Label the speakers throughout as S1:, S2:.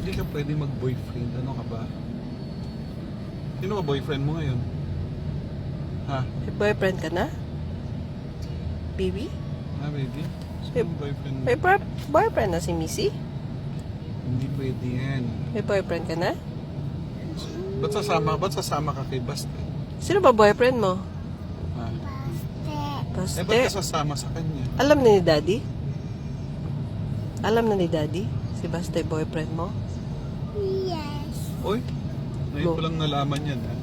S1: Hindi ka pwede mag-boyfriend. Ano ka ba? Sino ba boyfriend mo ngayon? Ha?
S2: May boyfriend ka na? Baby?
S1: Ha, baby? Sino ang boyfriend mo?
S2: May boyfriend na si Missy?
S1: Hindi pwede yan.
S2: May boyfriend ka na?
S1: Ba't sasama ka kay Basta?
S2: Sino ba boyfriend mo?
S1: Ha?
S2: Baste.
S1: Ba't ka sasama sa kanya?
S2: Alam na ni Daddy? Alam na ni Daddy? Si Baste boyfriend mo?
S1: Oy, ngayon ko lang nalaman yan. Ha?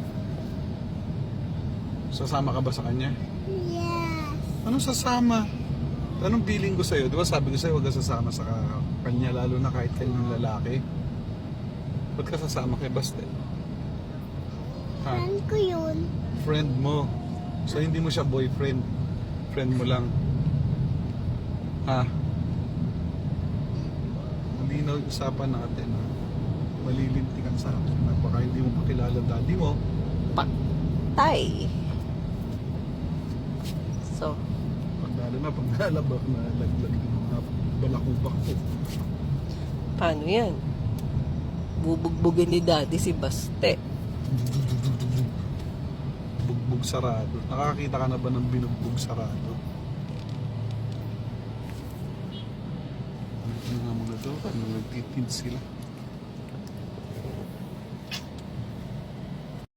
S1: Sasama ka ba sa kanya? Anong sasama? Anong feeling ko sa'yo? Di ba sabi ko sa'yo, huwag ka sasama sa kanya, lalo na kahit kanyang lalaki. Ba't ka sasama kay Baste? Ha?
S3: Friend ko yun.
S1: Friend mo. So hindi mo siya boyfriend. Friend mo lang. Ha? Malinaw yung usapan natin. Ha? Malilintikan sa akin. Baka hindi mo pakilala daddy mo.
S2: Tay. So,
S1: Lalo na pag nalabak na laglag yung mga balakubak ko.
S2: paano yan? Bubugbugin ni Daddy si Baste.
S1: Bugbog sarado. Nakakita ka na ba ng binugbog sarado? Ano nga mga to? Ano nagtitid sila?